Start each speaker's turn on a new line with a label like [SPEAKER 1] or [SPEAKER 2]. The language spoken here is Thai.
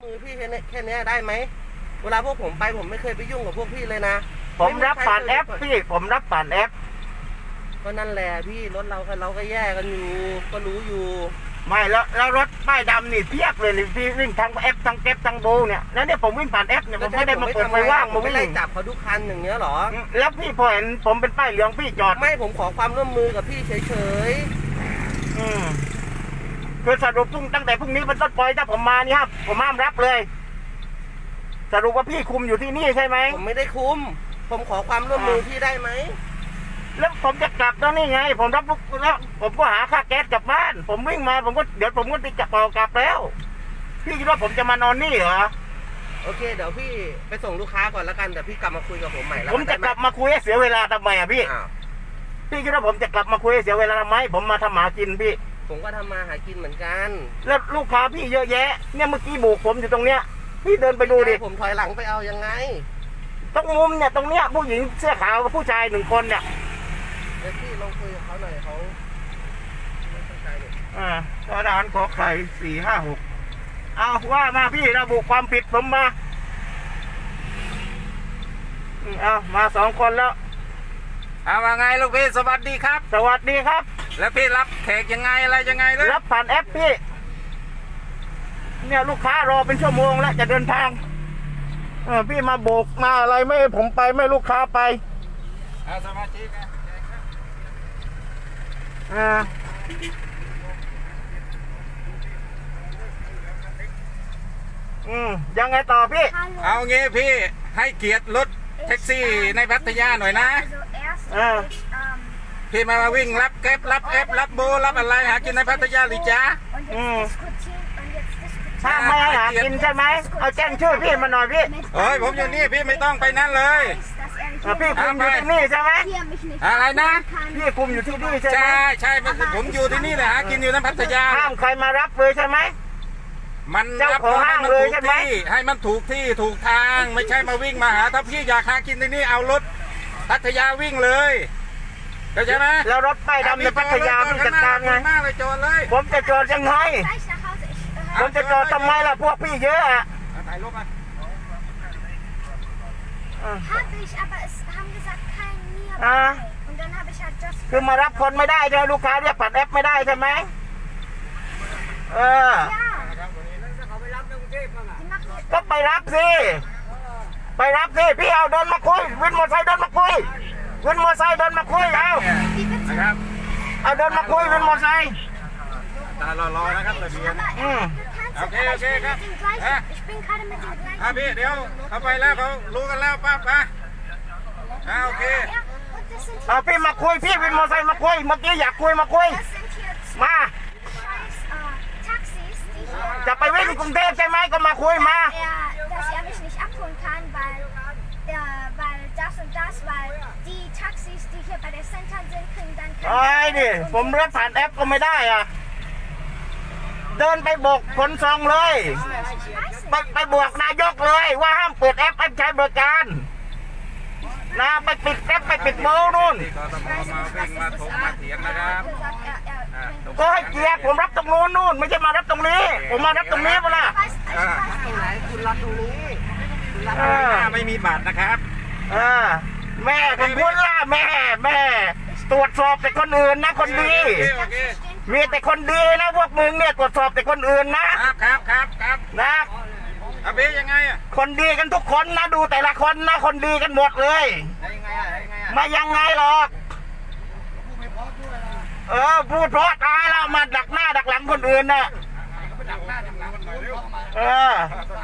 [SPEAKER 1] มือพี่แค่นี้ได้ไหมเวลาพวกผมไปผมไม่เคยไปยุ่งกับพวกพี่เลยนะ
[SPEAKER 2] ผมรับผ่านแอปพี่ผมรับผ่านแอป
[SPEAKER 1] ก็นั่นแหละพี่รถเราก็แย่กันอยู่ก็รู้อยู่
[SPEAKER 2] ไม่แล้วรถป้ายดำนี่เพียบเลยพี่วิ่งทั้งแอปทั้งเก็บทั้งโบเนี่ยแล้วเนี่ยผมวิ่งผ่านแอปเนี่ยผมไม่ได้มาเปิดไฟว่าง
[SPEAKER 1] ผมไม่ไล่จับเขาทุกคันอย่างเงี้ยหรอ
[SPEAKER 2] แล้วพี่พอเห็นผมเป็นป้ายเหลืองพี่จอด
[SPEAKER 1] ไม่ผมขอความร่วมมือกับพี่เฉย
[SPEAKER 2] คือสรุปตั้งแต่พรุ่งนี้เป็นต้นไปถ้าผมมานี่ครับผมห้ามรับเลยสรุปว่าพี่คุมอยู่ที่นี่ใช่ไหม
[SPEAKER 1] ผมไม่ได้คุมผมขอความร่วมมือพี่ได้ไหม
[SPEAKER 2] แล้วผมจะกลับตอนนี้ไงผมรับลูกแล้วผมก็หาค่าแก๊สกลับบ้านผมวิ่งมาเดี๋ยวผมก็ติดจับกลับแล้วพี่คิดว่าผมจะมานอนนี่เหรอ
[SPEAKER 1] โอเคเดี๋ยวพี่ไปส่งลูกค้าก่อนแล้วกันเดี๋ยวพี่กลับมาคุยกับผมใหม่แล้ว
[SPEAKER 2] ผมจะกลับมาคุยให้เสียเวลาทำไมอ่ะพี่คิดว่าผมจะกลับมาคุยให้เสียเวลาทำไมผมมาทำหากินพี่
[SPEAKER 1] ผมก็ทำมาหากินเหมือนกัน
[SPEAKER 2] แล้วลูกค้าพี่เยอะแยะเนี่ยเมื่อกี้โบกผมอยู่ตรงเนี้ยพี่เดินไปดูดิ
[SPEAKER 1] ผมถอยหลังไปเอายังไง
[SPEAKER 2] ตรงมุมเนี่ยตรงเนี้ยผู้หญิงเสื้อขาวกับผู้ชาย1 คนเนี่ย
[SPEAKER 1] เดี๋ยวพี่ลองคุยกับเขาหน่อยเขาไม่เข้าใจเลย
[SPEAKER 2] ทหารขอไข่456เอาว่ามาพี่ระบุความผิดผมมาเอามา2 คนแล้ว
[SPEAKER 3] เอาว่าไงลูกพี่สวัสดีครับ
[SPEAKER 2] สวัสดีครับ
[SPEAKER 3] แล้วพี่รับแขกยังไงอะไรยังไงเลย
[SPEAKER 2] รับผ่านแอปพี่เนี่ยลูกค้ารอเป็นชั่วโมงแล้วจะเดินทางพี่มาโบกมาอะไรไม่ผมไปไม่ลูกค้าไป
[SPEAKER 3] สมาชิก
[SPEAKER 2] ยังไงต่อพี่
[SPEAKER 3] เอางี้พี่ให้เกียรติรถแท็กซี่ในพัทยาหน่อยนะพี่มาวิ่งรับแก๊ปรับแอปรับโบรับอะไรหากินในพัทยาหรือจ๊ะ
[SPEAKER 2] ถ้าไม่ให้หากินใช่ไหมเอาแจ้งชื่อพี่มาหน่อยพี่
[SPEAKER 3] ผมอยู่นี่พี่ไม่ต้องไปนั่นเลย
[SPEAKER 2] พี่คุมอยู่ที่นี่ใช่ไหม
[SPEAKER 3] อะไรนะ
[SPEAKER 2] พี่คุมอยู่ที่นี่ใช่ไหม
[SPEAKER 3] ใช่ผมอยู่ที่นี่แหละหากินอยู่ในพัทยา
[SPEAKER 2] ห้ามใครมารับเลยใช่ไหม
[SPEAKER 3] มัน
[SPEAKER 2] เจ้าของห้างเลยใช่ไหม
[SPEAKER 3] ให้มันถูกที่ถูกทางไม่ใช่มาวิ่งมาหาถ้าพี่อยากหากินที่นี่เอารถพัทยาวิ่งเลยเข้าใจไหม
[SPEAKER 2] แล้วรถป้ายดำในพัทยาพี่จัดการไงผมจะจอดยังไงผมจะจอดทำไมล่ะพวกพี่เยอะอ่ะ
[SPEAKER 3] ถ่ายรูปมา
[SPEAKER 2] คือมารับคนไม่ได้ใช่ไหมลูกค้าเรียกผ่านแอปไม่ได้ใช่ไหมก็ไปรับสิพี่เอาเดินมาคุยวินมอเตอร์ไซค์เดินมาคุยวินมอเตอร์ไซค์เดินมาคุยเอาเดินมาคุยวินมอเตอร์ไซค์
[SPEAKER 3] รอนะครับระเบียงโอเคครับพี่เดี๋ยวเขาไปแล้วเขารู้กันแล้วป้าโอเค
[SPEAKER 2] เอาพี่มาคุยพี่วินมอเตอร์ไซค์มาคุยเมื่อกี้อยากคุยมาคุยมาจะไปวิ่งกรุงเทพใช่ไหมก็มาคุยมาไอ้ดิผมรับผ่านแอปก็ไม่ได้อ่ะเดินไปบอกขนส่งเลยไปบอกนายกเลยว่าห้ามเปิดแอปใช้บริการนะไปปิดแอปไปปิดโมนู่นก็ให้เกียรติผมรับตรงนู้นนู่นไม่ใช่มารับตรงนี้ผมมารับตรงนี้เปล่า
[SPEAKER 1] คุณรับตรงนี้
[SPEAKER 3] ไม่มีบัตรนะครับ
[SPEAKER 2] แม่ของคุณล่ะแม่ตรวจสอบแต่คนอื่นนะคนดีมีแต่คนดีนะพวกมึงเนี่ยตรวจสอบแต่คนอื่น
[SPEAKER 3] นะครับ
[SPEAKER 2] นะ
[SPEAKER 3] เป็นยังไง
[SPEAKER 2] คนดีกันทุกคนนะดูแต่ละคนนะคนดีกันหมดเลยไม่ยังไงหรอกพูดเพราะตายแล้วมาดักหน้าดักหลังคนอื่นนะ